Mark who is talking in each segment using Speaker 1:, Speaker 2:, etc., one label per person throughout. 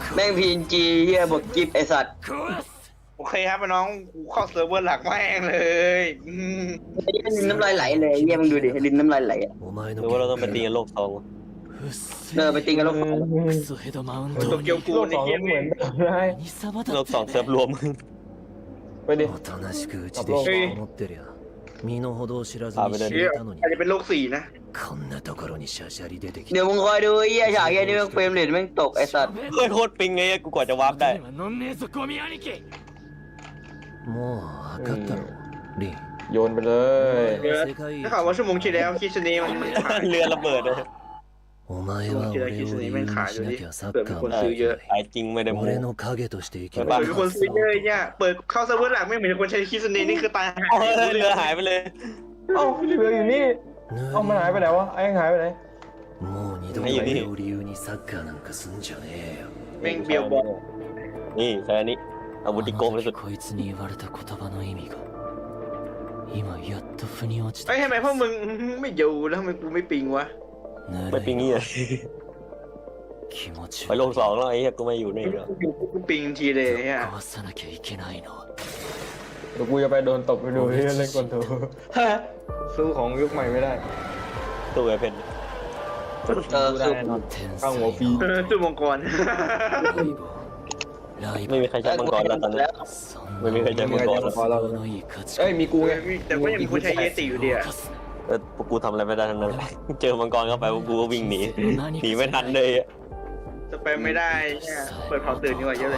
Speaker 1: แม่งพีนจีเฮียบอกกิฟไอสัตว์
Speaker 2: โอเคครับน้องกูเข้าเซิร์ฟเวอร์หลักแม่งเลย
Speaker 1: ลิ้นน้ำลายไหลเลยเฮียมึงดูดิลิ้นน้ำลายไหลอ่ะ
Speaker 3: หรือว่าเราต้องไปตีกันโลกสอง
Speaker 1: ไปตีกันแล้ว
Speaker 2: โตเกียวกู
Speaker 4: โลก
Speaker 2: ใน
Speaker 4: สอง
Speaker 2: เก
Speaker 4: ก็
Speaker 2: ม
Speaker 4: เหมือนได้
Speaker 3: โลกสองเซิร์ฟรวม
Speaker 4: ไปดิ
Speaker 5: おとなしくうちで引きこもってりゃ身の程を知らずに死んだのに
Speaker 2: อาจจะเป็นโลก4นะ
Speaker 5: こんなところにシャシャリ出てき
Speaker 1: เดี๋ยว
Speaker 5: て
Speaker 1: มึงคอยดูเฮียฉากเฮียนี่แม่งเฟรมเรทแม่งตกไอสัตว์
Speaker 3: เฮ้ยโคตรปิงไงกูกว่าจะวาร์ปได้
Speaker 5: もう分かったろリン
Speaker 4: โยนไปเลย
Speaker 5: 世界一
Speaker 2: ถ้าข่าวว่าชั่วโมงที่แล้วคิดชนีมัน
Speaker 3: เรือระเบิดเลย
Speaker 5: お前は俺を理由にしなきゃサッカーもできない
Speaker 3: ไอ้จริงไม่ได้โม้
Speaker 5: 俺の影として生きろ
Speaker 3: บ้า
Speaker 2: มีคนซื้อเยอะเนี่ยเปิดเข้าเซิร์ฟเวอร์หลักไม่เหมือนคนใช้คิดชนีนี่คือตายหา
Speaker 3: เฮ้ยเรือหายไปเลย
Speaker 4: เอ้าเรืออยู่นี่เอ้ามันหายไปไหนวะไอ้หายไปไหน
Speaker 5: もう二度と俺を理由にサッカーなんかすんじゃねえよ
Speaker 2: แม่งเบียวบอล
Speaker 3: นี่แค่นี้อาวุธที่โกงที่สุด
Speaker 5: こいつに言われた言葉の意味が今やっと腑に落ちた
Speaker 2: เฮ้ยทำไมพวกมึงไม่อยู่แล้วทำไมกูไม่ปิงวะ
Speaker 3: ไม่ปิงงี้เลย
Speaker 5: 気持ち
Speaker 3: ไปโลกสองแล้วไอ้เหี้ยกูไม่อยู่นี่แล้ว
Speaker 2: กูปิงทีเลยเนี่ย
Speaker 5: 壊さなきゃいけないのは
Speaker 4: เดี๋ยวกูจะไปโดนตบไปดูที่เล่นกอนโทรสู้ของยุคใหม่ไม่ได้
Speaker 3: ตัวไอ้เพน
Speaker 4: สู้ได้แน่นอน
Speaker 5: 天
Speaker 4: ข้างหัวฟรี
Speaker 2: เออสู้มังกร
Speaker 5: ライバル
Speaker 3: ไม่มีใครใช้มังกรแล้วตอนนี้
Speaker 5: そん
Speaker 3: ไม่มีใครใช้มังกรแล้ว
Speaker 5: 都合のいい価値
Speaker 4: เอ้ยมีกูไง
Speaker 2: แต่ก็ยังมีคนใช้เยติอยู่ดีอะ
Speaker 3: พวกกูทำอะไรไม่ได้ทั้งนั้น เจอมังกรเข้าไปพวกกูก็วิ่งหนีหนีไม่ทันเลยอะ
Speaker 2: จะไปไม่ได้เนี่ยเปิดเผาตื่นดีกว่าเยอะเลย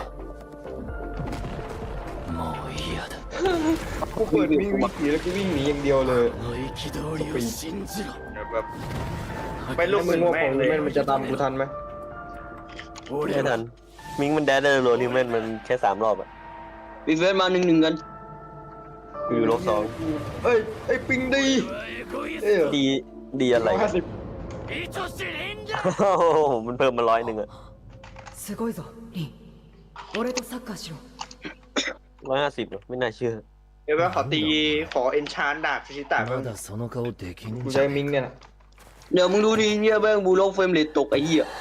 Speaker 5: もう嫌だ
Speaker 4: กูเปิดวิ่งขี่แล้วกูวิ่งหนีอย่างเดียวเลย
Speaker 5: この憤りを信じろ
Speaker 2: แบบไปลูก
Speaker 4: มึ
Speaker 2: มึ
Speaker 4: ง
Speaker 2: ง
Speaker 4: ว่า
Speaker 2: แม่
Speaker 4: ของ
Speaker 2: งเลย
Speaker 4: แม่นมันจะตามกูทันไหม
Speaker 3: ไม่ทันมิงมันแดดได้โรนิวแมนมันแค่3 รอบอะ
Speaker 1: ปีเฟสมา1-1กัน
Speaker 3: กูอยู่โลกสอง
Speaker 4: เอ้ยไอ้ปิงดีเอ้ย
Speaker 3: ดีดีอะไร
Speaker 4: 50
Speaker 3: โอ้โหมันเพิ่มมา100อะ
Speaker 6: すごいぞリン俺とサッカーしろ
Speaker 3: 150เหรอไม่น่าเชื่อ
Speaker 2: เดี๋ยวว่าขอตีขอเอนชานดาบชิตะแบ
Speaker 5: ま
Speaker 2: บ
Speaker 5: だその顔できん
Speaker 4: กู
Speaker 5: じ
Speaker 4: ใช้
Speaker 5: ゃ
Speaker 4: มิงเนี่ยนะ
Speaker 1: เดี๋ยวมึงดูดิเฮียแม่งบูโลกเฟรมเรทตกไอ้เหี้ย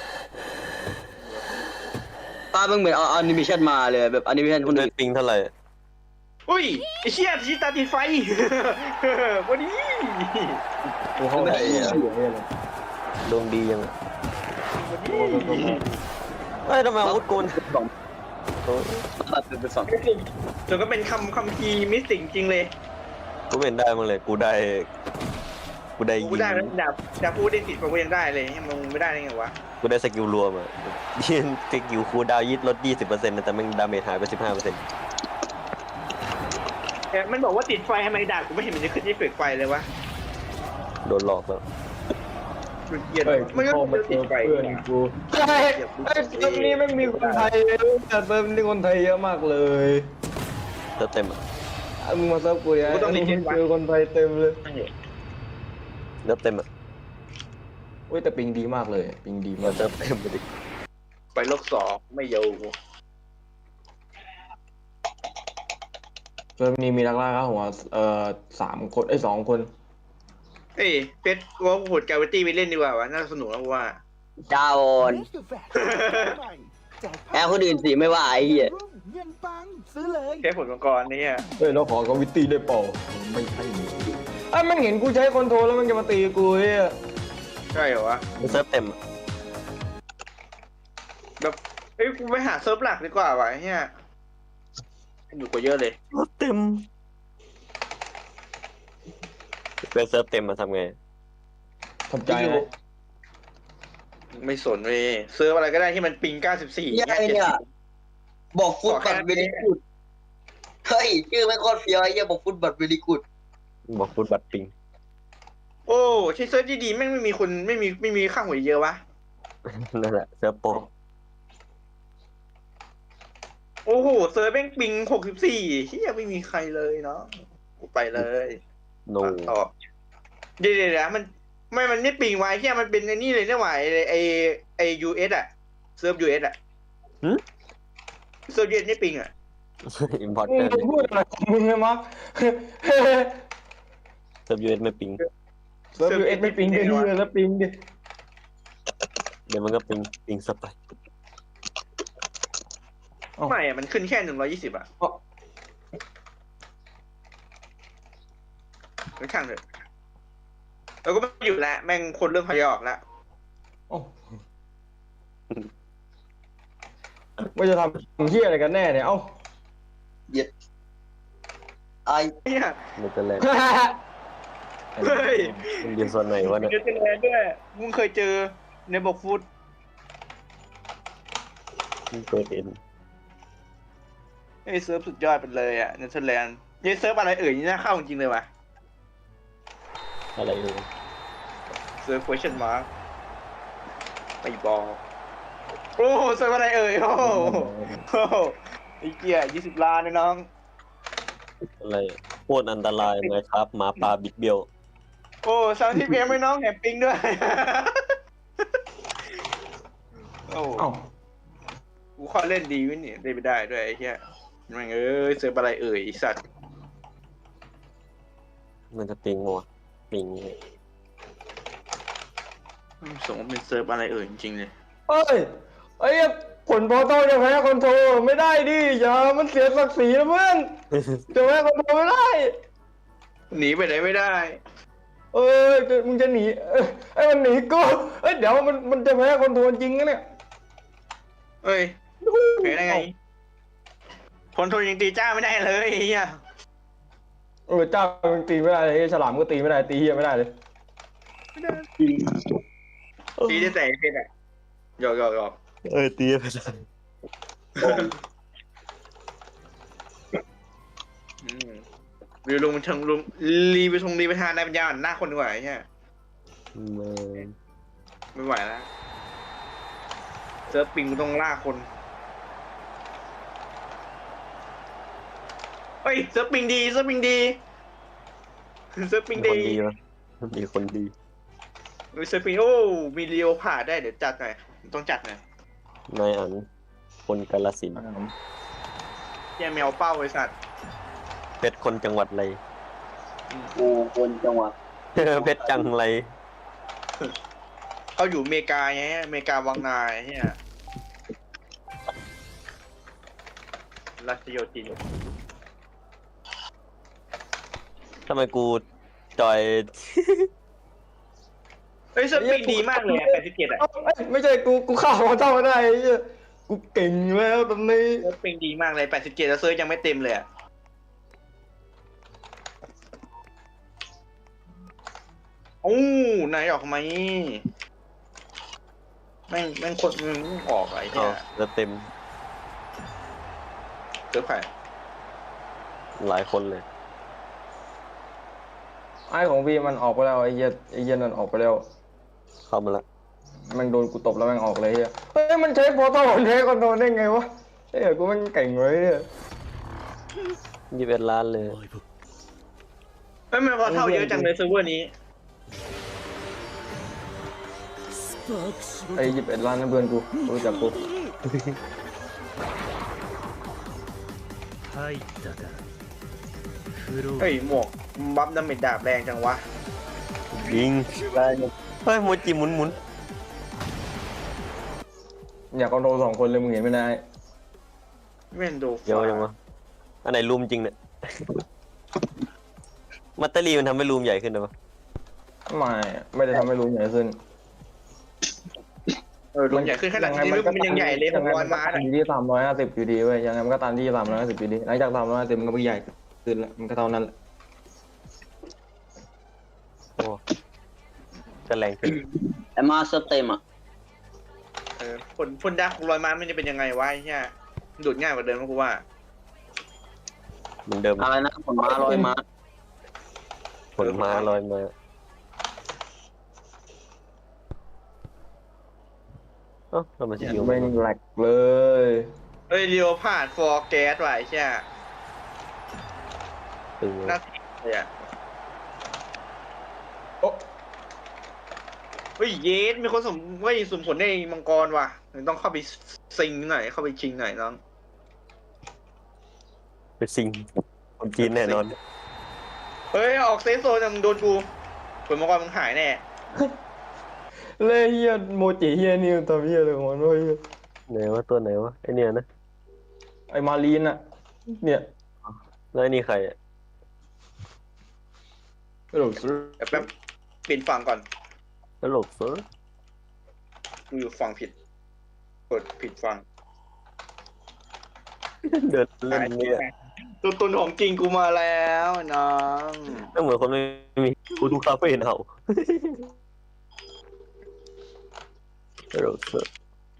Speaker 1: ตาแม่งเหมือนเอาแอนิเมชันมาเลยแบบแอนิเมชันคน
Speaker 3: ได้
Speaker 1: อื่น
Speaker 3: ปิงเท่าไหร่
Speaker 2: อุ้ยไอ้เชี่ยชิตะติดไฟวันนี้
Speaker 4: กูเข้าไหนเนี่ย
Speaker 3: ดวงดียังอะเฮ้ยทำไมอาวุธกูมัน
Speaker 1: ตัดเป็นฝั่ง
Speaker 2: ส่วนก็เป็นคัมภีร์มิสติกจริงเลย
Speaker 3: กูไม่เห็นได้มั้งเลยกูได้ยิ
Speaker 2: กู
Speaker 3: ง
Speaker 2: ได้แล้วดาบพูดได้ติดกูยังได้เลยมึงไม่ได้ได้ไงวะ
Speaker 3: กูได้สกิลรวมอะยิงสกิลคูลดาวน์ลด 20%นะแต่แม่งดาเมจหายไป 15%
Speaker 2: แต่มันบอกว่าติดไฟทำไมดาบกูไม่เห็นมันจะขึ้นที่เฟกไฟเลยวะ
Speaker 3: โดนหลอกแล้ว
Speaker 2: มันเกลียด
Speaker 4: เฮ้ย
Speaker 2: มันก็
Speaker 4: พอมาเจ
Speaker 2: ติด
Speaker 4: อ
Speaker 2: ไฟ
Speaker 4: เพื่อนกูเฮ้ยเซิร์ฟนี้ไม่มีคนไทยแต่เซิร์ฟนี้คนไทยเยอะมากเลย
Speaker 3: เต็มอะ
Speaker 4: มึงมาเซิร์ฟกูยังเจอคนไทยเต็มเลย
Speaker 3: เต็มอะ
Speaker 4: เว้ยแต่ปิงดีมากเลยปิงดี
Speaker 3: มั
Speaker 4: มาน ก
Speaker 3: เต็มไปดิ
Speaker 2: ไปโลก2ไม่อยู่
Speaker 4: เซิร์ฟนี้มีนักล่าครับหัว3 คน2 คน
Speaker 2: เอ้ยเพชรว่าโหดกาเวตี้ไปเล่นดีกว่าวะน่าสนุกนะว่า
Speaker 1: จาโอนแอบคนอื่นสิไม่ว่าไอ้เหี้ย
Speaker 7: เงินปังซื้อเลย
Speaker 2: แค่ผลมังกรนี่อ่ะ
Speaker 4: เฮ้ยเราขอกวิตตี้ได้เปล่าไม่ใช่ไอ้มันเห็นกูใช้คอนโทรลแล้วมันจะมาตีกูเฮ้ย
Speaker 2: ใช่เหรอวะ
Speaker 3: มันเซิร์ฟเต็มอะ
Speaker 2: แบบเอ้ยกูไปหาเซิร์ฟหลักดีกว่าวะเฮียอยู่กว่าเยอะเลย
Speaker 3: เต็มเป็นเซิร์ฟเต็มมาทำไง
Speaker 4: ทำใจนะ
Speaker 2: ไม่สนเว้ยเซิร์ฟอะไรก็ได้ที่มันปิง94
Speaker 1: เหี้ยไอ้เนี่ยบอกฟุตบัตเวลิกูดเฮ้ยชื่อแม่งโคตรเฟี้ยวไอ้เหี้ยบอกฟุตบัตเวลิกูด
Speaker 3: บอกฟุตบัตปิง
Speaker 2: โอ้ใช้เซิร์ฟดีๆแม่งไม่มีคนไม่มีค่าหัวเยอะวะ
Speaker 3: นั่นแหละเซิร์ฟโปร
Speaker 2: โอ้โหเซิร์ฟแม่งปิง64เฮียไม่มีใครเลยเนาะกูไปเลย
Speaker 3: โน
Speaker 2: ต่อเดี๋ยวมันไม่ปิงไว้เฮียมันเป็นไอ้นี่เลยเนี่ยหว่าไอUS อ่ะเซิร์ฟ US อ่ะเซิร์ฟ US ไม่ปิงอ่ะ
Speaker 3: อิมพอร์ต
Speaker 4: มึ
Speaker 3: เตอง ร์
Speaker 4: พูดอะไรของมึงเนี่ยมั้ง
Speaker 3: เซิร์ฟยูเอสไม่ปิง
Speaker 4: เซิร์ฟยูเอสไม่ปิงดิแล้วปิงดิ
Speaker 3: เดี๋ยวมันก็ปิงสไป
Speaker 4: อ้า
Speaker 2: ไม่อะมันขึ้นแค่120อ่ะ
Speaker 4: เอ้า
Speaker 2: ไม่ช่างเถอะเราก็ไม่อยู่แล้วแม่งคนเริ่มพยออกแล้ว
Speaker 4: เอ้าว่าจะทำเฮียอะไรกันแน่เนี่ยเอ้า
Speaker 1: ไอ
Speaker 2: เนี่ย
Speaker 3: เนเธอร์แลนด์
Speaker 2: เฮ้ย
Speaker 3: มันยืนโซนไหนวะ
Speaker 2: มี
Speaker 3: เนี่ย
Speaker 2: เนเธอร์แลนด์ด้วยมึงเคยเจอในบอกฟุต
Speaker 3: มันเปิดเอ็น
Speaker 2: ไอ้เซิร์ฟสุดยอดไปเลยอ่ะเนเธอร์แลนด์ยัยเซิร์ฟอะไรเอ่ยนี่น่าเข้าจริงๆเลยว่ะ
Speaker 3: อะไรเลย
Speaker 2: เซิร์ฟ question mark ไปบอกโอ้เซิร์ฟอะไรเอ่ยโอ้โหโอ้โหไอ้เกีย20 ล้านนะน้อง
Speaker 3: อะไรโคตรอันตรายไหมครับหมาป่าบิดเบี้ยว
Speaker 2: โอ้30 เอ็มไม่น้องแหนปิงด้วย โอ้
Speaker 4: เอ้า
Speaker 2: กูเข้าเล่นดีวินี่เล่นไม่ได้ด้วยไอ้เหี้ยแม่งเอ้ยเซิร์ฟอะไรเอ่ยไอ้สัตว์
Speaker 3: มันจะปิงวะปิง
Speaker 2: สมมติเป็นเซิร์ฟอะไรเอ่ยจริงๆเลย
Speaker 4: เอ้ยไอ้เหี้ยผลโปรโตจะแพ้คอนโทรไม่ได้ดิอย่ามันเสียศักดิ์ศรีนะเพื่อนจะแพ้คอนโทรไม่ได้
Speaker 2: หนีไปไหนไม่ได้
Speaker 4: เอ้ยมึงจะหนีไอ้มันหนีกูเอ้ยเดี๋ยวมันจะแพ้คอนโทรจริงนะเนี่ย
Speaker 2: เอ้ยแพ้ได้ไงผลโทนยังตีจ้าไม่ได้เลยไอ้เหี้ย
Speaker 4: เจ้ามันตีไม่ได้เลยฉลามก็ตีไม่ได้ตีเฮียไม่ได้เลย
Speaker 2: ตีได้แต่เพชรอะหยอก
Speaker 3: ตีไปเลย
Speaker 2: วิวลงเชิงลงรีไปทงรีไปทานนายปัญญาอ่อนหน้าคนดีกว่าไอ้เหี้ย
Speaker 3: มัน
Speaker 2: ไม่ไหวแล้วเซิร์ฟปิงต้องล่าคนเฮ้ยเซิร์ฟปิงดีเซิร์ฟปิงดีเซิร์ฟปิง
Speaker 3: คน
Speaker 2: ดี
Speaker 3: ดีวะมีคนดี
Speaker 2: เซิร์ฟปิงโอ้มีเรียวผ่าได้เดี๋ยวจัดหน่อยต้องจัดหน่อย
Speaker 3: นายอันคนกาฬสินธุ์
Speaker 2: แย่แมวเป้าไอ้สัตว์
Speaker 3: เพชรคนจังหวัดอะไร
Speaker 1: กูคนจังหวะ
Speaker 3: เพชรจังไร
Speaker 2: เขาอยู่อเมริกาไงอเมริกาวังนาไอ้เนี่ยรัชโยธิน
Speaker 3: ทำไมกูจอย
Speaker 2: เฮ้ยเซิร์ฟปิงดีมากเลยอะ87อะ
Speaker 4: เอ้าเอ้ยไม่ใช่กูฆ่าคอนโทรไม่ได้ไอ้เหี้ยกูเก่งแล้วตอนนี้
Speaker 2: เซิร์ฟปิงดีมากเลย87แล้วเซิร์ฟยังไม่เต็มเลยอะโอ้นายออกไหมแม่งคนมึงออกไอ้
Speaker 3: อ๋อ
Speaker 2: เนี่ย
Speaker 3: แล้วเต็ม
Speaker 2: เซิร์ฟใคร
Speaker 3: หลายคนเลย
Speaker 4: ไอ้ของพี่มันออกไปแล้วไอ้เหี้ยนั่นออกไปแล้ว
Speaker 3: เข้ามาละ
Speaker 4: มันโดนกูตบแล้วแม่งออกเลยเฮียเฮ้ยมันใช้โปรโตมันใช้คอนโทรลได้ไงวะเฮ้ยกูแม่งเก่งเลยเนี่ย
Speaker 3: 21 ล้านเลย
Speaker 2: เฮ้ยมันพอเท่าเยอะจังเลยเซิร์ฟเวอร์นี้
Speaker 4: ไอ้21 ล้านนั่นเพื่อนกูรู้จักกู
Speaker 5: 入ったかフロー
Speaker 2: เฮ้ยหมวกบัฟดาเมจดาบแรงจังวะ
Speaker 3: ยิงเฮ้ยโมจิหมุนหมุน
Speaker 4: อยากคอนโทรล2 คนเลยมึงเห็นไม่ได้
Speaker 2: เวนโด
Speaker 3: เดี๋ยวยังวะอันไหนรูมจริงเนี่ย มัตเตอรี่มันทำให้รูมใหญ่ขึ้นหรอปะ
Speaker 4: ไม่ได้ทำให้รู้ใหญ่ขึ้น
Speaker 2: รวมใหญ่ขึ้นขนาดนี้มันยังใหญ่เลย600 ม้า
Speaker 4: อยู่ที่350อยู่ดีเว้ยยังไงมันก็ตามที่350อยู่ดีหลังจาก350มันก็ไม่ใหญ่ขึ้นแล้วมันก็เท่านั้นแหละ
Speaker 3: โอ้จะแรงขึ้น
Speaker 1: ไอ้มาเซิร์ฟเต็มอ่ะ
Speaker 2: ผลดา600 ม้ามันจะเป็นยังไงวะไอ้เนี่ยดูดง่ายกว่าเดิมมั้งกูว่า
Speaker 3: เหมือนเดิม
Speaker 1: อะไรนะผลม้าลอยม้า
Speaker 3: ผลมาลอยมาเอ้าทำไมสกิล
Speaker 4: แม่งแหลกเลย
Speaker 2: เฮ้ยเรียวผ่านฟอร์แก๊สว่ะไอ้เนี่ย
Speaker 3: ตึง
Speaker 2: น่าติดเลยอ่ะ
Speaker 4: โอ้
Speaker 2: เฮ้ยเยสมีคนสมผลในมังกรว่ะต้องเข้าไปซิงหน่อยเข้าไปชิงหน่อยน้อง
Speaker 3: เป็นซิงคนจีนแน่นอน
Speaker 2: เฮ้ยออกเซฟโซนมึงโดนกูผลมังกรมึงหายแน่
Speaker 4: เลยเฮียโมจิเฮียนี่ตัวเฮียเลยของมันเว้ย
Speaker 3: ไหนวะตัวไหนวะไอเนี่ยนะ
Speaker 4: ไอ้มารีนอะเนี่ย
Speaker 3: แล้วไอ้นี่ใครอะ
Speaker 4: กระโดดซื้อ
Speaker 2: เดี๋ยวแป๊บเปลี่ยนฝั่งก่อน
Speaker 3: ตลกเฟิร์ส
Speaker 2: กูอยู่ฝั่งผิดกดผิดฝั่ง
Speaker 3: เดินเล่นเนี่ย
Speaker 2: ตัวตนของจริงกูมาแล้วน้อง
Speaker 3: ก็เหมือนคนไม่มีกูดูคาเฟ่เอาตลกเฟิร์ส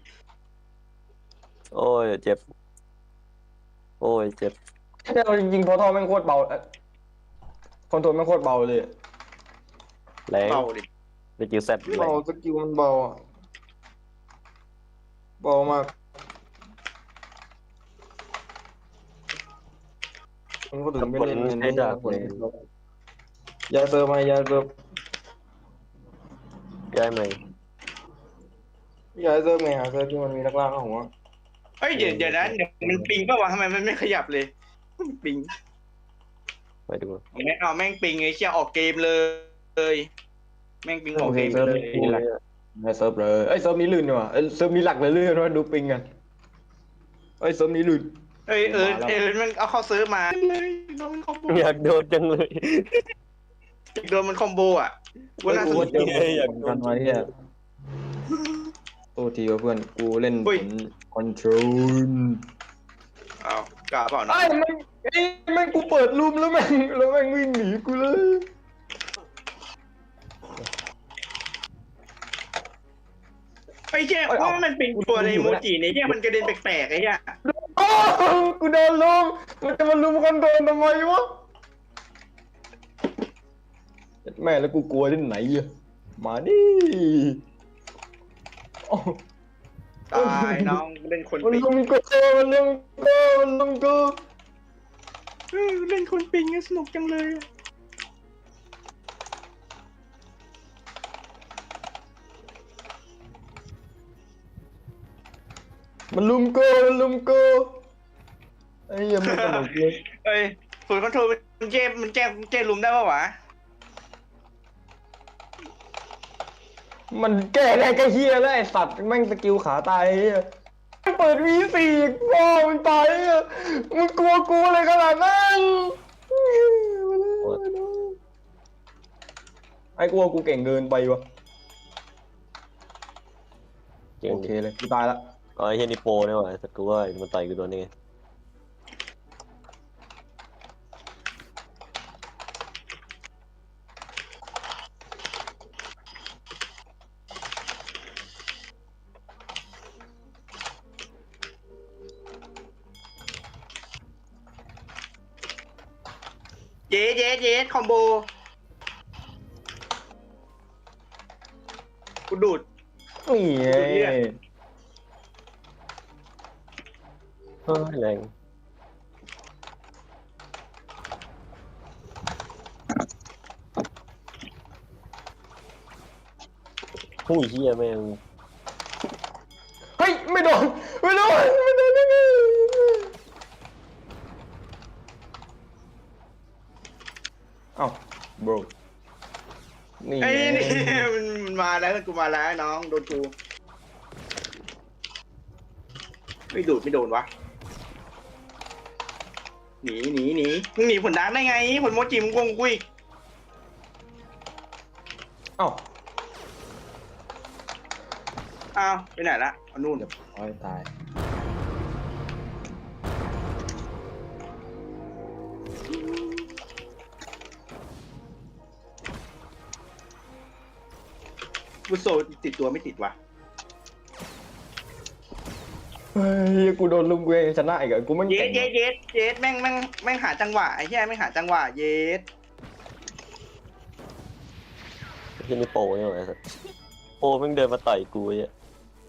Speaker 3: โอ้ยเจ็บโอ้ยเจ็บ
Speaker 4: แต่เราจริงๆพอทอแม่งโคตรเบาคอนโทรลแม่งโคตรเบาเลย
Speaker 3: แรง
Speaker 2: เบาดิ
Speaker 3: สกิลแซดแร
Speaker 4: เบาง สกิลมันเบาอะเบามากมันก็ถึงไม่เล่น
Speaker 3: ใช้ดาบเลย
Speaker 4: ยาเซิร์ฟไหมยาเซิร์ฟ
Speaker 3: ย้ายไหม
Speaker 4: ยาเซิร์ฟไงหาเซิร์ฟที่มันมีนักล่าของวะ
Speaker 2: เฮ้ยเดี๋ยวนะเดี๋ยวมันปิงป่าวะทำไมมันไม่ขยับเลยมันปิง
Speaker 3: ไปดู
Speaker 2: แม่งเอาแม่งปิงไอ้เชี่ยออกเกมเลย แม่งปิงออกเกมเลย
Speaker 4: ยาเซิร์ฟเลยเอ้ยเซิร์ฟนี้ลื่นดีกว่าเอ้ยเซิร์ฟนี้หลักเลยลื่นว่าดูปิงกันเอ้ยเซิร์ฟนี้ลื่น
Speaker 2: เอ้ยมันเอาเข้าเซิร์ฟมาเลยโดนมันคอมโบ
Speaker 3: อยากโดนจังเลย
Speaker 2: โดนมันคอมโบอ่ะกูน่าสนใจ
Speaker 4: อยากกันไว้เนี่ยตัวทีว่าเพื่อนกูเล่นผลคอนโทรล
Speaker 2: เอากล้าเปล่านะ
Speaker 4: ไอ้แม่งกูเปิดรูมแล้วแม่งวิ่งหนีกูเลย
Speaker 2: ไอ้เชี่ยว่ามันเป็นตัวในโมจิเนี่ยเชี่ยมันกระเด็นแปลกๆไอ้เชี่ย
Speaker 4: อ้าวกูโดนลุมมันจะมาลุมคอนโทรลทำไมวะแม่แล้วกูกลัวที่ไหนอะมาดิโอ้
Speaker 2: ตายน้องเล่นคน
Speaker 4: มัน
Speaker 2: ปิง
Speaker 4: ลุมกูมันลุมกู
Speaker 2: เล่นคนปิงสนุกจังเลย
Speaker 4: มันลุมกูไอ้เหี้ยังไม่สนุกเลย
Speaker 2: เอ้ยฝุ่นคอนโทรลมันแก้ลุมได้ป่าวะ
Speaker 4: มันแก้ได้ก็เฮียแล้วไอ้สัตว์แม่งสกิลขาตายไอ้เฮียเปิด V4 พ่อมันตายอ่ะมึงกลัวกูอะไรขนาดนั้นไอ้กลัวกูเก่งเกินไปวะ
Speaker 3: เก่ง
Speaker 4: โอเคเลยกูตายละ
Speaker 3: อ๋อไอ้เฮียนี่โปรเนี่ยว่ะแต่กูว่ามันต่อยกูโดนนี่ไง
Speaker 2: เย้คอมโบกูดูด
Speaker 4: นี่ไง
Speaker 3: เฮ้ยแรงผู้ยเฮียแม่ง
Speaker 4: เฮ้ยไม่โดนได้ไงเอ้า bro นี่
Speaker 2: ไอ้
Speaker 4: ไง
Speaker 2: นี่มันมาแล้วกูมาแล้วน้องโดนกูไม่ดูดไม่โดนวะหนีมึงหนีผลดังได้ไงผลโมจิมึงโกงกูอีก
Speaker 4: เอ้า
Speaker 2: อ้าวไปไหนละเอานู่น
Speaker 4: เดี๋ยวโอ้ยตาย
Speaker 2: กูโซติดตัวไม่ติดวะ
Speaker 4: เฮ้ยกูโดนลุมกูเองชนะอีกอะกูมัน
Speaker 2: เย
Speaker 4: เก่
Speaker 2: ส
Speaker 4: ง
Speaker 2: เยสแม่งหาจังหวะไอ้เหี้ยแม่งหาจังหวะเยส
Speaker 3: ไอ้เฮียนี่โปรเนี่ยว่ะไอ้สัสโปรแม่งเดินมาต่อยกูไอ้เหี้ย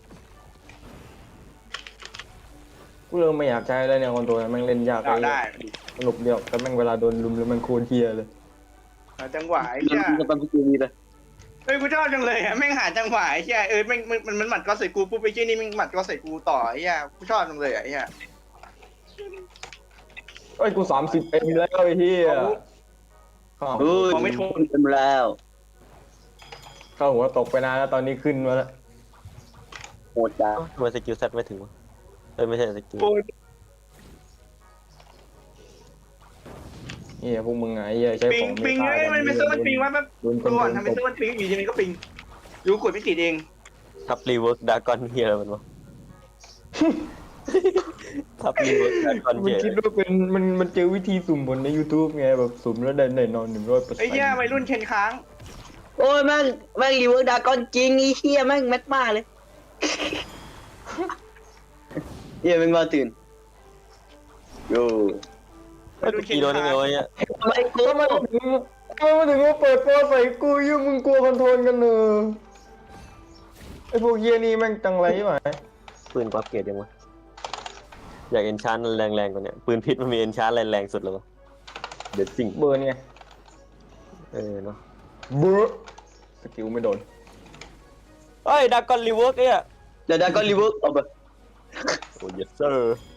Speaker 4: กูเริ่มไม่อยากใช้แล้วเนี่ยคอนโทรลแม่งเล่นยาก
Speaker 2: เอาได้
Speaker 4: สนุกเดียวแต่แม่งเวลาโดนลุมแล้วแม่งโคตรเฮียเลย
Speaker 2: หาจังหวะไอ้เหี้ย
Speaker 3: ก็ต้องกูมีเลย
Speaker 2: เฮ้ยกูชอบจังเลยอะแม่งหาจังหวะไอ้เหี้ยแม่งมันหมัดก็ใส่กูปุ๊บไปเชี่ยนี่แม่งหมัดก็ใส่กูต่อไอ้เหี้ยกูชอบจังเลยอะไอ้เหี้ย
Speaker 4: เอ้ยกู30เอ็มแล้วไอ้เฮียเข้า
Speaker 2: มองไม่ถูก
Speaker 3: เต็มแล้ว
Speaker 4: เข้าหัวตกไปนานแล้วตอนนี้ขึ้นมาแล้ว
Speaker 3: โหดจ้าทำไมสกิลแซดไม่ถึงวะเอ้ยไม่ใช่สกิล
Speaker 2: โอ้ย
Speaker 4: เฮียพวกมึงไงเฮียใช้
Speaker 2: ปิ
Speaker 4: ข
Speaker 2: ง
Speaker 4: อง
Speaker 2: ปิง
Speaker 4: ไม่
Speaker 2: เฮ้ยมันเป็นเซิร์ฟมันปิงวะแป๊บ
Speaker 4: โดนคน
Speaker 2: ก่อน
Speaker 4: โด
Speaker 2: ทำเป็นเซิร์ฟมันปิงอยู่ดีมันก็ปิงยูกดไม่ติดเอง
Speaker 3: ทับรีเวิร์กดากอนเฮียมันวะ ทับรีเวิร์กดากอน
Speaker 4: มัน
Speaker 3: เฮีย
Speaker 4: คิดว่าเป็นมันเจอวิธีสุ่มบนใน YouTube ไงแบบสุ่มแล้วได้นอน100%
Speaker 2: ไอ้เหี้ยวัยรุ่นเชนค้าง
Speaker 1: โอ้ยแม่งรีเวิร์กดากอนจริงไอ้เหี้ยแม่งแมทมาเลยเหี้ยแม่งมาตื่นโย่
Speaker 2: วัยรุ่นเชน
Speaker 3: กี่โดนได้
Speaker 2: ค้าง
Speaker 3: ไงวะเนี่ย
Speaker 1: ทำไมกู
Speaker 4: ทำไมมาถึงว่าเปิดโปรใส่กูยังมึงกลัวคอนโทรลกันเนอะไอพวกเฮียนี่แม่งจังไรไหม
Speaker 3: ปืนกวักเกียร์ยังวะอยากเอนชานแรงๆกว่าเนี้ยปืนพิษมันมีเอนชานแรงๆสุดแล้ววะเด็ดจริง
Speaker 4: เบอร์ไง
Speaker 3: เนาะ
Speaker 4: เบอร์สกิลไม่โดน
Speaker 3: เฮ้ยดากอนรีเวิร์กเนี่ย
Speaker 1: เดี๋ยวดากอนรีเวิร์กเอาไป
Speaker 3: โอ้ยเซอร์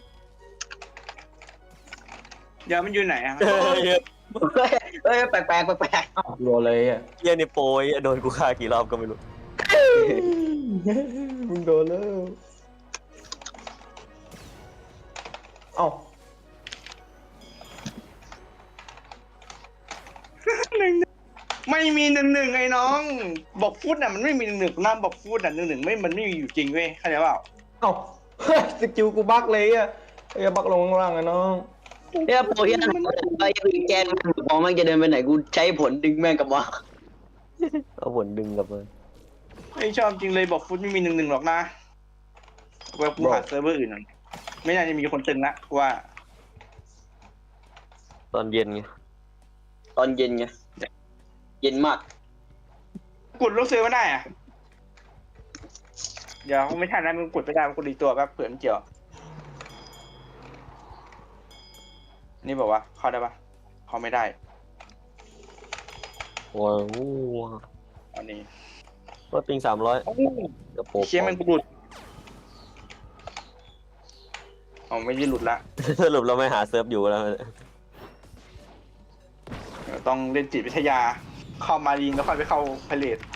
Speaker 2: เดี๋ยวมันอยู่ไหนอะ
Speaker 3: เ
Speaker 1: เฮ้ยแปลกๆแปลก
Speaker 4: อ้าวรัวเลยอ่ะ
Speaker 3: เฮียนี่โปรยโดนกูฆ่ากี่รอบก็ไม่รู้
Speaker 4: มึงโดนแล้วเอ้า
Speaker 2: ไม่มี1-1ไอ้น้อง บอกฟุตอ่ะมันไม่มี1-1น้ำบอกฟุตอ่ะ1-1ไม่มันไม่มีอยู่จริงเว้ยเข้าใจเปล่า
Speaker 4: เอ้า สกิลกูบักเลยอ่ะไอ้บักลงข้างล่างไอ้น้อง
Speaker 1: ๆเนี่ยโปรที่นั่นไอ้ยังแกนมองแม่งจะเดินไปไหนกูใช้ผลดึงแม่งกลับมา
Speaker 3: เอาผลดึงกลับมา
Speaker 2: ไม่ชอบจริงเลยบอกฟุตไม่มี1-1หรอกนะว่ากูหาเซิร์ฟเวอร์อื่นหน่อยไม่น่าจะมีคนตึงละกูว่า
Speaker 3: ตอนเย็นไง
Speaker 1: ตอนเย็นไงเย็นมาก
Speaker 2: กดลบเซิร์ฟไม่ได้อ่ะเดี๋ยวไม่ทันนะมึงกดไม่ได้มึงกดอีกตัวแป๊บเผื่อมันเกี่ยวนี่บอกว่าเข้าได้ปะเข้าไม่ได้
Speaker 3: ว้าว
Speaker 2: อันนี้
Speaker 3: ว่าปิง300กระโปรง
Speaker 2: เชี่ยมันหลุดอ๋อไม่ได้หลุดละ
Speaker 3: สรุปเราไม่หาเซิร์ฟอยู่แล้ว
Speaker 2: เดี๋ยวต้องเล่นจิตวิทยา เข้ามารีนแล้วค่อยไปเข้าพาเลท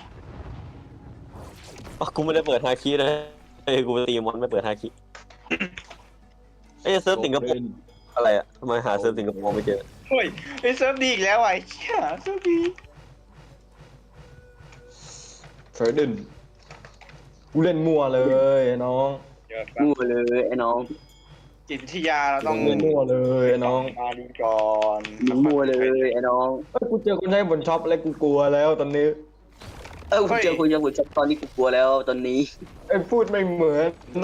Speaker 3: อ๋อกูไม่ได้เปิดฮาคิเลยกูไปตีมอนไม่เปิดฮาคิเอ้ยเซิร์ฟสิงคโปร์อะไรอะทำไมหาเซิร์ฟสิงคโปร์ไม่เจอ
Speaker 2: เฮ้ยไอเซิร์ฟดีอีกแล้วไอ้เชี่ยเซิร์ฟดี
Speaker 4: เทรดดินกูเล่นมั่วเลยไอ้น้อง
Speaker 2: เดี๋ยว
Speaker 1: มั่วเลยไอ้น้อง
Speaker 2: จิตวิทยาเราต้อง
Speaker 4: เล่นมั่วเลยไอ้น้อง
Speaker 2: มารีนก่อน
Speaker 1: มั่วเลยไอ้น้อง
Speaker 4: เอ้ยกูเจอคนใช้บนช็อปแล้วกูกลัวแล้วตอนนี้
Speaker 1: กูเจอคุณยังบุญชับตอนนี้กูกลัวแล้วตอนนี้
Speaker 4: ไอ้พูดไม่เหมือนนะ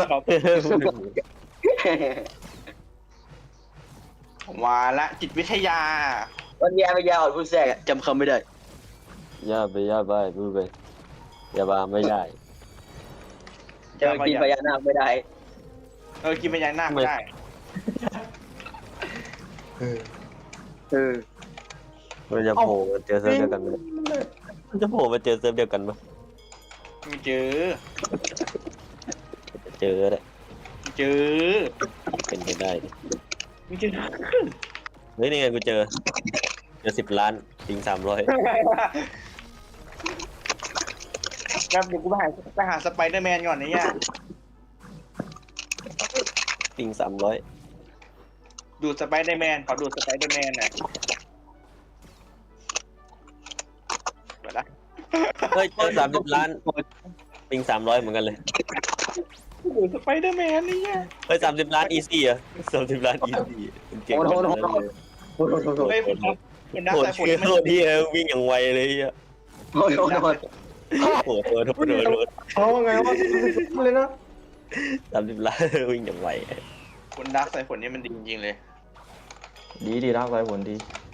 Speaker 2: มาละจิตวิทยา
Speaker 1: วันยาไม่ยาอ่อนพูดแทรกจำคำไม่ได้
Speaker 3: ย่าไปพูดไปอย่าบาไม่ได้
Speaker 1: จะกินพญานาคไม่ได้
Speaker 2: กินเป็นยันหน้าไม่ได้
Speaker 1: เออ
Speaker 3: มันจะโผล่มาเจอเซิร์ฟเดียวกันไหมมันจะโผล่มาเจอเซิร์ฟเดียวกันปะ
Speaker 2: ไม่เจอ
Speaker 3: เจอเลย
Speaker 2: ไม่เจอ
Speaker 3: เป็นไปได้ดิ
Speaker 2: ไม่เจอ
Speaker 3: เฮ้ยนี่ไงกูเจอ10 ล้านปิง300
Speaker 2: ครับเดี๋ยวกูไปหาสไปเดอร์แมนก่อนนะเนี่ย
Speaker 3: ปิง300
Speaker 2: ดูดสไปเดอร์แมนขอดูดสไปเดอร์แมนหน่อยเปิดละ
Speaker 3: เฮ้ยเจอ30 ล้านปิง300เหมือนกันเลย
Speaker 2: ดูดสไปเดอร์แมนนี่เนี่ย
Speaker 3: เฮ้ย30 ล้านอีซี่อะ30 ล้านอีซี่เก่ง
Speaker 1: โอ้
Speaker 3: ข
Speaker 1: โห
Speaker 3: นาดนั้นเลย
Speaker 1: โอ้โหโอ้โห
Speaker 2: เฮ้ยคนนับ
Speaker 3: โหด
Speaker 2: สายฝน
Speaker 3: เชี่ย
Speaker 2: มัน
Speaker 3: โคตรที่วิ่งอย่างไวเลยอ่ะ
Speaker 1: โอ้โห
Speaker 3: โหด
Speaker 4: เอาไงวะเลยนะ
Speaker 3: 30 ล้านวิ่งอย่างไว
Speaker 2: คนนับสายฝนนี่มันดีจริงๆเลย
Speaker 4: ดีรักไรผลดี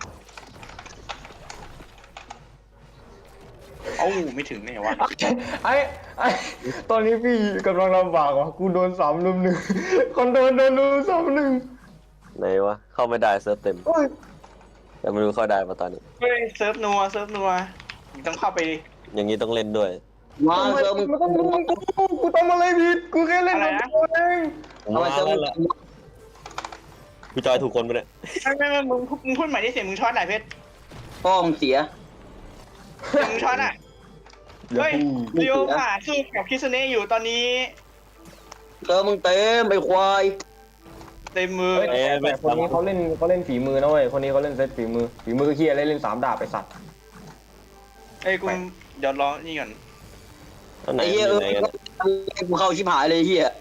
Speaker 2: เอ้าไม่ถึงเนี่ยวะ
Speaker 4: ไอ้ตอนนี้พี่กำลังลำบากว่ะกูโดน3-1คนโดนลุม3-1
Speaker 3: ไหนวะเข้าไม่ได้เซิร์ฟเต็ม
Speaker 4: โอ้ย
Speaker 3: แต่ไม่รู้เข้าได้ป่ะตอนนี้
Speaker 2: เฮ้ยเซิร์ฟนัวมึงต้องเข้าไปดิ
Speaker 3: อย่างนี้ต้องเล่นด้วย
Speaker 1: มาเซอร์มึง
Speaker 4: ไม่ต้องลุมกูทำอะไรผิดกูแค่เล่นกับตัวเอง
Speaker 3: ผม
Speaker 1: ทำไม
Speaker 3: มา
Speaker 1: เซอร์
Speaker 3: แล้
Speaker 1: มึ
Speaker 3: ว
Speaker 1: ง
Speaker 3: ล่ะพี่จอยถูกคนไปะเนี่ย
Speaker 2: ไม่มึงพูดใหม่ที่เสียงมึงช็อตไหนเพชร
Speaker 1: พ่อมึงเสีย
Speaker 2: เสียงมึงช็อตอ่ะเฮ้ยเรียวผ่าสู้กับคิสเน่อยู่ตอนนี้
Speaker 1: เซอร์มึงเต็มไอ้ควาย
Speaker 2: เต็มมือ
Speaker 4: เฮ้ยแต่คนนี้เขาเล่นฝีมือนะเว้ยคนนี้เขาเล่นเซตฝีมือเฮียเล่น3 ดาบไปสัตว์
Speaker 2: ไอ้กูเดี๋ยวรอนี่ก่อน
Speaker 3: อันไหน
Speaker 1: ไอ้เหี้ย
Speaker 3: อยู่ไหนกัน
Speaker 1: กูเข้าชิบหายเลยเหี้ย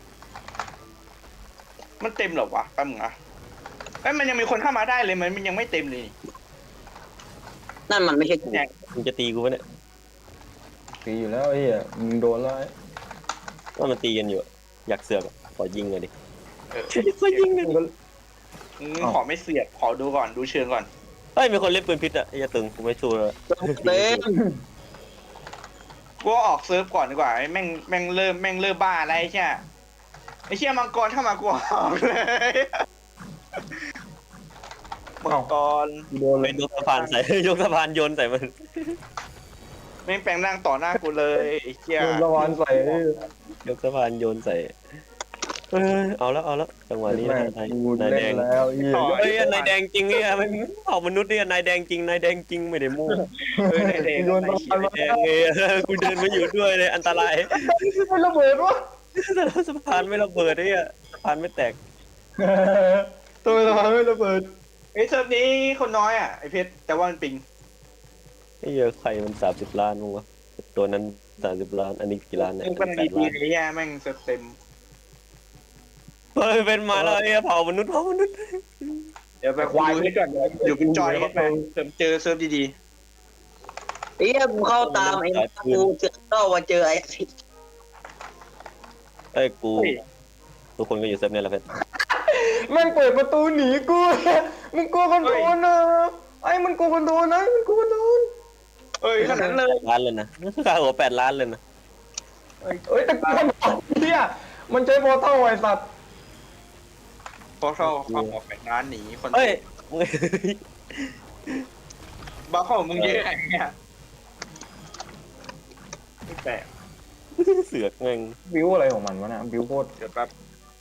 Speaker 2: มันเต็มเหรอวะแป๊บนึงอ่ะเอ้ยมันยังมีคนเข้ามาได้เลยมันยังไม่เต็มเลย
Speaker 1: นั่นมันไม่ใช่กู
Speaker 3: มึงจะตีกูปะเนี่ย
Speaker 4: ตีอยู่แล้วเฮียมึงโดนแล้ว
Speaker 3: ว่ามันตีกันอยู่อะอยากเสือกอะขอยิงเลยดิ
Speaker 2: เออ
Speaker 3: ขอยิงเลย
Speaker 2: ขอไม่เสียบขอดูก่อนดูเชิงก่อน
Speaker 3: เฮ้ยมีคนเล่นปืนพิษอะไอ้ยาตึงกูไม่สู้เลย
Speaker 1: เต็ม
Speaker 2: กูออกเซิร์ฟก่อนดีกว่าไอ้แม่งเริ่มบ้าอะไรใช่ไอ้เชี่ยมังกรเข้ามากูออกเลยมังกร
Speaker 4: โดนเล
Speaker 3: ไป
Speaker 4: ย
Speaker 3: ยกสะพานใส่ ยกสะพานโยนใส่มัน
Speaker 2: แม่งแปลงร่างต่อหน้ากูเลยไอ้เชี่ย
Speaker 4: โดนระวันใส่
Speaker 3: ยกสะพานโยนใส่เอาแล้วจังหวะนี้
Speaker 4: แม่
Speaker 3: นาย
Speaker 4: กู
Speaker 3: นาย
Speaker 4: เล่
Speaker 3: แด
Speaker 4: น
Speaker 3: ง
Speaker 4: แล้วเฮีย
Speaker 3: เฮ้ยนายแดงจริงเนี่ยมันเผ่ามนุษย์เนี่ยนายแดงจริงไม่ได้โม้
Speaker 2: เฮ้ยเด็ก
Speaker 4: โดนระวัน
Speaker 3: นายแดงเลยกูเดินมาอยู่ด้วยเลยอันตราย
Speaker 4: ไม่ระเบิดวะ
Speaker 3: สะพานไม่ระเบิดเนี่ยสะพานไม่แตก
Speaker 4: ตัวสะพานไม่ระเบิด
Speaker 2: ไอ้เซิร์ฟนี้คนน้อยอ่ะไอ้เพชรแต่ว่ามันปิง
Speaker 3: ไอ้เหี้ยใครมัน30 ล้านมั้งวะตัวนั้น30 ล้านอันนี้กี่ล้านเนี่ย
Speaker 2: มึงเป็น
Speaker 3: 8
Speaker 2: ดี
Speaker 3: ล้าน
Speaker 2: ๆไอ้แย่แม่งเซิร์ฟเต็ม
Speaker 3: เฮ้ยเป็นมาแล้วไอ้เผ่ามนุษย์
Speaker 2: เดี๋ยวไปดูให้ก่อนเดี๋ยวกูจอยให้ไปเจอเซิร์ฟดี
Speaker 1: ไอ้เหี้ยกูเข้าตามไอ้กูเจอเข้ามาเจอไอ้
Speaker 3: เอ้ยกูทุกคนก็อยู่เซฟเนี่ยแหละเพื่อน
Speaker 4: แม่งเปิดประตูหนีกูมึงกลัวคนโดนนะไอ้มันกลัวคนโดนนะมันกลัวคนโดน
Speaker 2: ๆเอ้ยขนาดนั้นเลย
Speaker 3: ล้านเลยนะค่าหัว8 ล้านเลยนะ
Speaker 4: เอ้ยแต่กลัวคนโดนเฮียมันใช้โพอร์ทัลไอ้สัตว์
Speaker 2: พอเข้าออกไปร้านหนีคน
Speaker 3: เฮ้ยมึง
Speaker 2: บ้าเข้ามึงเยอะไอ้เนี่ยไม่แปลก
Speaker 3: เสือกแม่ง
Speaker 4: บิวอะไรของมันวะเนี่ยบิวโคตร
Speaker 2: เดี๋ยวแป๊บ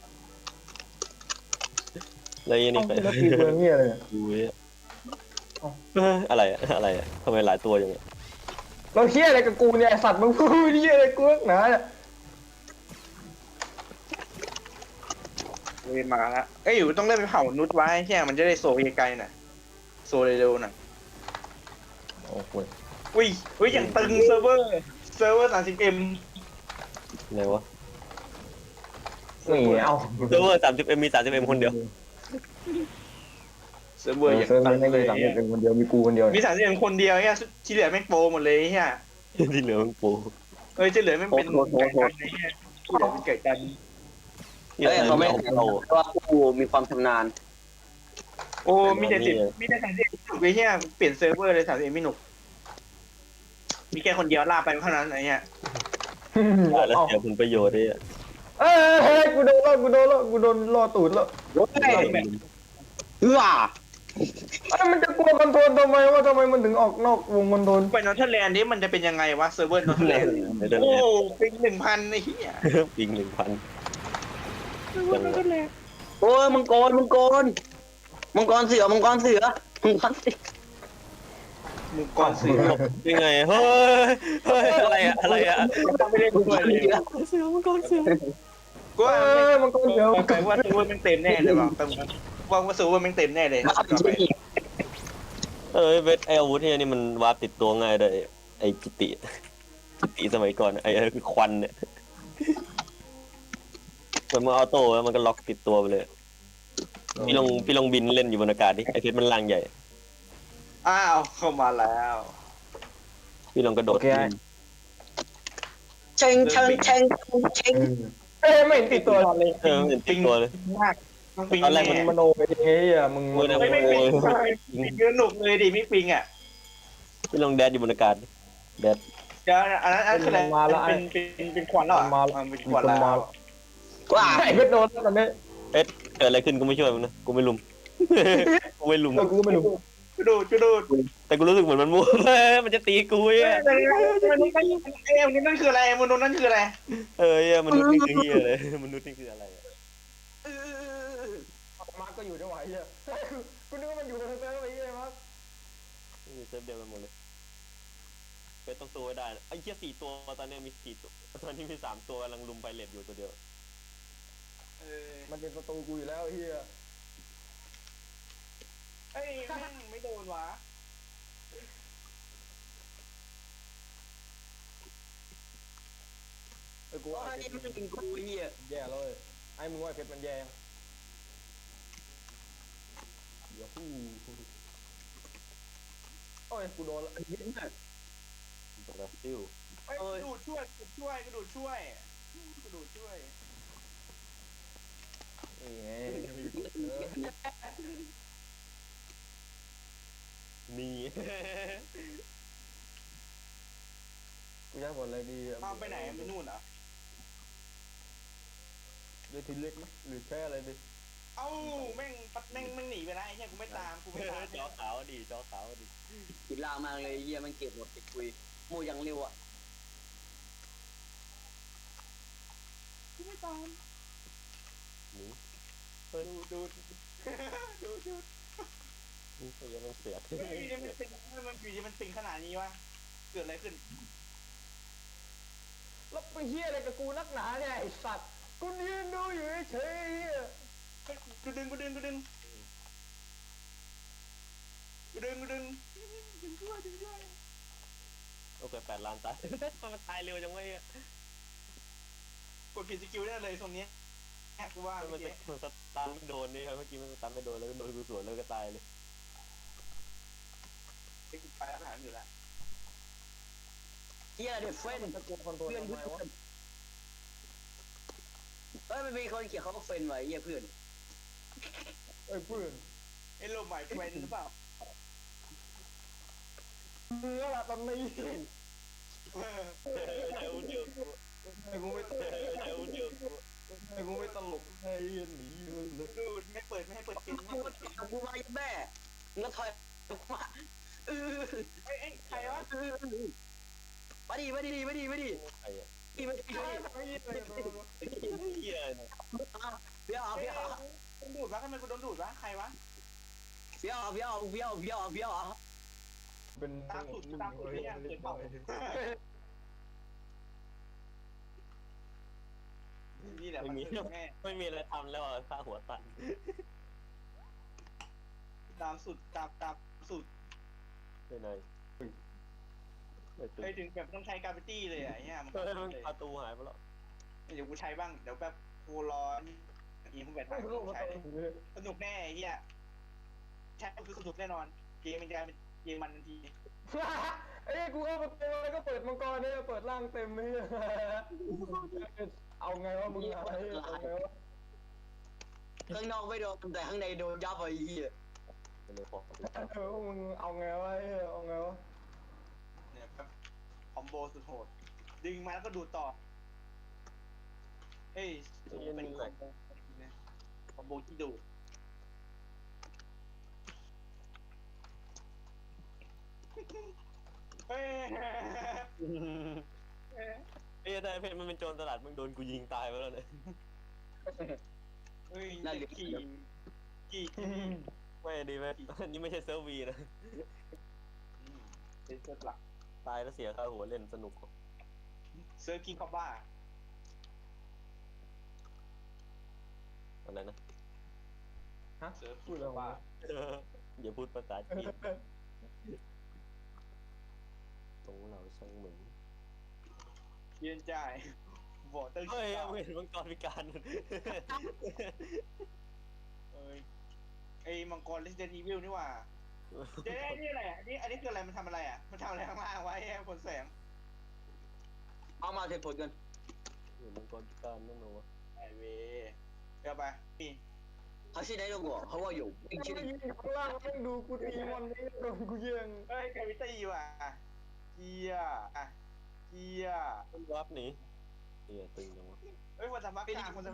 Speaker 3: อะไรนี่
Speaker 4: แล้วปีเบืองเฮียอะไรเนี่ย
Speaker 3: ดูเนี่ยอะไรอะทำไมหลายตัวอย่างเงี้ย
Speaker 4: เราเฮียอะไรกับกูเนี่ยไอ้สัตว์มึงพูดเฮียอะไรกูนักหนาเนี่ย
Speaker 2: เลยมาแล้วเอ้ยอยู่ต้องเล่นไปเผานุชไว้ใช่มันจะได้โซไกลๆน่ะโซเร็วๆน่ะ
Speaker 4: โอ้โห
Speaker 2: อุ้ยอย่างตึงเซิร์ฟเวอร์30M
Speaker 3: ไหนวะ
Speaker 4: นี่เอา
Speaker 3: เซิร์ฟเวอร์30M มี 30M คนเดียว
Speaker 2: เซิร์ฟเวอร์อย่าง
Speaker 4: เซิร์ฟ
Speaker 2: ตึง
Speaker 4: ไม่
Speaker 2: เล
Speaker 4: มี
Speaker 2: ย
Speaker 4: สามเป็นคนเดียวมีกูคนเดียว
Speaker 2: มี30M คนเดียวเนี่ยที่เหลือแม่งโปรหมดเลยเฮีย
Speaker 3: ที่เหลือมึงปู
Speaker 2: เอ้ยที่เหลือแม่งเป็นไก่กันไอ้เฮียที่เหลือเป็นไก่กัน
Speaker 3: ที่
Speaker 1: เฮ้ยเขาไม่
Speaker 3: เอา
Speaker 1: ว่ากูมีความชำนาญ
Speaker 2: โอ้มีแต่30M ถูกไอ้เฮียเปลี่ยนเซิร์ฟเวอร์เลย 30M ไม่หนุกมีแค่คนเดียวลากไปเท่านั้นไอ้เฮีย
Speaker 3: แล้วเสียผลประโยชน์ด้วย
Speaker 4: เอ้ยกูโดนล่อตูดแล้ว
Speaker 1: เฮ้ยเฮ้อ
Speaker 4: ไอ้มันจะกลัวคอนโทรลทำไมว่าทำไมมันถึงออกนอกวงคอนโทรล
Speaker 2: ไปนอร์ทแลนด์นี่มันจะเป็นยังไงวะเซิร์ฟเวอร์นอร์ทแลนด์โอ้เป็น1,000ไอ้เหี้ย
Speaker 3: ปิง 1,000
Speaker 1: โอ้ยมังกรเสือ
Speaker 2: มึงก่อนสิ
Speaker 3: ยังไงเฮ้ยอะไรอะ
Speaker 2: ไม่ได้ด้วยเลย
Speaker 3: เสือมังกรเสือ
Speaker 2: กูว่า
Speaker 4: มันก็เดี๋ยว
Speaker 2: แปลว่าเซิร์ฟเวอร์มันเต็มแน่เลยว่ะว่าเซิร์ฟเวอร์มันเต็มแน่เลย
Speaker 3: เวทไออาวุธเนี่ยนี่มันวาร์ปติดตัวง่ายด้วยไอจิติสมัยก่อนไอคือควันเนี่ยเหมือนมันออโต้แล้วมันก็ล็อกติดตัวไปเลยพี่ลองบินเล่นอยู่บนอากาศดิไอเพชรมันล่างใหญ่
Speaker 2: อ้าวเข้ามาแล้ว
Speaker 3: พี่ลองกระโดด
Speaker 1: เชง
Speaker 4: ไม่เห็นติดตัวเลย
Speaker 3: เห็นติดตัวเลย
Speaker 2: มากต้องปิง
Speaker 3: ตอนแรกมัน
Speaker 4: มโนไปเองอ่ะมึง
Speaker 2: ไม่ปิงเยอะหนุกเลยดิไม่ปิงอ่ะ
Speaker 3: พี่ลองแดดอยู่บนอากาศแดด
Speaker 2: เดี๋ยวอันนั้นคืออะไรเป็นควันแล้วเป็นควันแล้ว
Speaker 1: ว้า
Speaker 4: ไอ้เพชรโดนตอนนี้
Speaker 3: เกิดอะไรขึ้นกูไม่ช่วยมันนะกูไม่ลุม กูไม่ลุม
Speaker 4: กูไม่รู้
Speaker 2: ดู
Speaker 3: แต่กูรู้สึกเหมือนมันมั่ว มันจะตีกูอ่ะ
Speaker 2: มันนั่นคืออะไรมนุษย์นั่นคืออะไร
Speaker 3: มนุษย์นี่คือเฮียเลยมนุษย์นี่คืออะไร
Speaker 4: มาก็อยู่ด้วยวะไอ้เหี้ยกูนึกว่ามันอยู่ในเซิร์ฟไอ้เหี้ยมั้ง
Speaker 3: เซิร์ฟเดียวกันหมดเลยเป็นต้องตัวไว้ได้ไอ้เหี้ย4 ตัวตอนนี้มี4 ตัวตอนนี้มี3 ตัวกำลังลุมไพเรตอยู่ตัวเดียว
Speaker 4: มันเป็นประตูกูอยู่แล้วไอ้เฮีย
Speaker 2: เอ้ยแม่งไม่โดนวะ
Speaker 4: กู
Speaker 1: โอ้
Speaker 4: ว่าย ไอ้
Speaker 1: นี่
Speaker 4: เพชร
Speaker 1: มันยิงกูเหี้ย
Speaker 4: แย่เลยไอ้มึงว่าไอ้เพชรมันแย่ยังเดี๋ยวฮู้โอ้ยกูโดนละ
Speaker 3: บราซิล
Speaker 2: เอ้ยกระดูดช่วยกระดูดช่วย
Speaker 4: นี่ไง
Speaker 3: นี่
Speaker 4: กูอยากกดอะไรดีอะ
Speaker 2: เอาไปไหนไปนู่นเหรอ
Speaker 4: เดี๋ยวทีเล็กไหมหรือแค่อะไรดี
Speaker 2: เอ้าแม่งหนีไปแล้วไอ้เหี้ยกูไม่ตาม
Speaker 3: จอขาวดีจอขาวดี
Speaker 1: กินลามากเลยเหี้ยมันเก็บหมดติดคุยโมยังเร็วอ่ะ
Speaker 3: หนี
Speaker 2: ดู
Speaker 3: นี่ก็ยังไม่เสีย
Speaker 2: เฮ้ยมันอยู่ดีมันปิงขนาดนี้วะเกิดอะไรขึ้น
Speaker 4: แล้วไปเฮียอะไรกับกูนักหนาเนี่ยไอ้สัตว์กูยืนดูอยู่เฉยๆเฮีย
Speaker 2: กูดึงด้วย
Speaker 3: โอเค8 ล้านตายมันตายเร็วจังวะเนี่ย
Speaker 2: กดผิดสกิลได้เลยตรงนี้แอบกูว่า
Speaker 3: มัน
Speaker 2: เมื่อ
Speaker 3: จะ
Speaker 2: กี้
Speaker 3: มันสตาร์ไม่โดนนี่ครับเมื่อกี้มันสตาร์ไม่โดนแล้วก็โดนกูสวนแล้วก็ตายเลย
Speaker 2: ไอ้กูไปอาหารอยู่แล้ว
Speaker 1: เหี้ยเด็กเฟ้น
Speaker 4: ตะโกนคอนโทรล
Speaker 1: เพื่อน
Speaker 4: ทำไมวะ
Speaker 1: เอ้ยมันมีคนเขียนเขาก็เฟ้นไว้เหี้ยเพื่อน
Speaker 4: เอ้ยเพื่อน
Speaker 2: ไอ้โลใหม่เทรนหรือเปล่า
Speaker 4: เนื้อละตอนนี้
Speaker 3: เดี๋ยวเดี๋ยว
Speaker 4: ไอ้กูไม่ตลก
Speaker 3: เดี๋ยวเดี๋ยว
Speaker 4: ไอ้กูไม่ตลกไอ้เหี้ยหนีเลย
Speaker 2: ดูไม่ให้เปิดเกม
Speaker 1: กูกูมาแม่งั้นถอยมาเออ
Speaker 2: เอ้ยใครวะ
Speaker 1: มาดิ
Speaker 3: ใครอ่ะ
Speaker 1: ดิมาดิ
Speaker 4: ไอ้เหี้ยเลยตัว
Speaker 3: เฮีย
Speaker 1: เบี้ยว
Speaker 2: โดนดูดวะทำไมกูโดนดูดวะใครวะ
Speaker 4: เป็น
Speaker 2: ตามสูตรเนี่ยเกิดเปล่านี่แหละ
Speaker 3: ไม่
Speaker 2: มัน
Speaker 3: มี
Speaker 2: คือแม่
Speaker 3: ไม่มีอะไรทำแล้วฆ่าหัวตัน
Speaker 2: ตามสูตร
Speaker 3: ไปไหนไม่ตื่
Speaker 2: ไป
Speaker 3: น
Speaker 2: ถึงแบบต้องใช้กราฟิตี้เลยอ่ะเนี่ยมัน
Speaker 3: เฮ้ยมันประตูหายไปแล้ว
Speaker 2: เดี๋ยวกูใช้บ้างเดี๋ยวแบบกูรออีพวกแบบใช้สนุกแน่ไอ้เหี้ยใช่คือสนุกแน่นอนเกมมันจะเป็นเกมมันทันที
Speaker 4: ไอ้กูเข้าประตูแล้วก็เปิดมังกรเนี่ยเปิดร่างเต็มเลยเอาไงวะมึงเอาไงวะ
Speaker 1: ข้างนอกไม่โดนแต่ข้างในโดนยับไอ้เหี้ย
Speaker 3: ไปเลยพอ
Speaker 4: มึงเอาไงวะเอาไงวะ
Speaker 2: เนี่ยแบบคอมโบสุดโหดดึงมาแล้วก็ดูดต่อเฮ้ยเป็นคอมโบที่ดูดเฮ้ย
Speaker 3: เอ้ยแต่เพชรมันเป็นโจรตลาดมึงโดนกูยิงตายไปแล้วเนี่ย
Speaker 2: เฮ้ยกี่
Speaker 3: ไม่ดีไหมนี่ไม่ใช่เซิร์ฟวีนะ
Speaker 2: เป็นเซิร์ฟหลัก
Speaker 3: ตายแล้วเสียค่าหัวเล่นสนุก
Speaker 2: เซิร์ฟกิงคอบบ้า
Speaker 3: อะไรนะ
Speaker 4: ฮะ
Speaker 2: เซิร์ฟ
Speaker 4: พูดอะไรวะ
Speaker 3: อย่าพูดภาษาจีนตรงเราช่างเหมือน
Speaker 2: เยียนจ่ายบอเตอร์
Speaker 3: เฮ้ยเห็นมังกรพิการ
Speaker 2: เอ้ยไอ้มังกร Resident Evil นี่หว่าเจ๊นี่อะไรอ่ะอันนี้คืออะไรมันทำอะไรอ่ะมันทำอะไรข้างล่างไว้ผลแสง
Speaker 1: เอามาเทผลกัน
Speaker 3: เห็นมังกรพิการนั่นเหรอวะ
Speaker 2: ไอเวเดี๋ยวไปนี่
Speaker 1: เขาชื่อไหนรู้ก่อนเขาว่าอยู่
Speaker 4: มึงยิงข้างล่างมึงดูกูตีมันนี่โดนกูยิง
Speaker 2: เฮ้ยแควิตี้ว่ะเกียอ่ะเกีย
Speaker 3: มันวับหนีเฮียตึงจังวะ
Speaker 2: เฮ้ยคนสมัครกลางคนส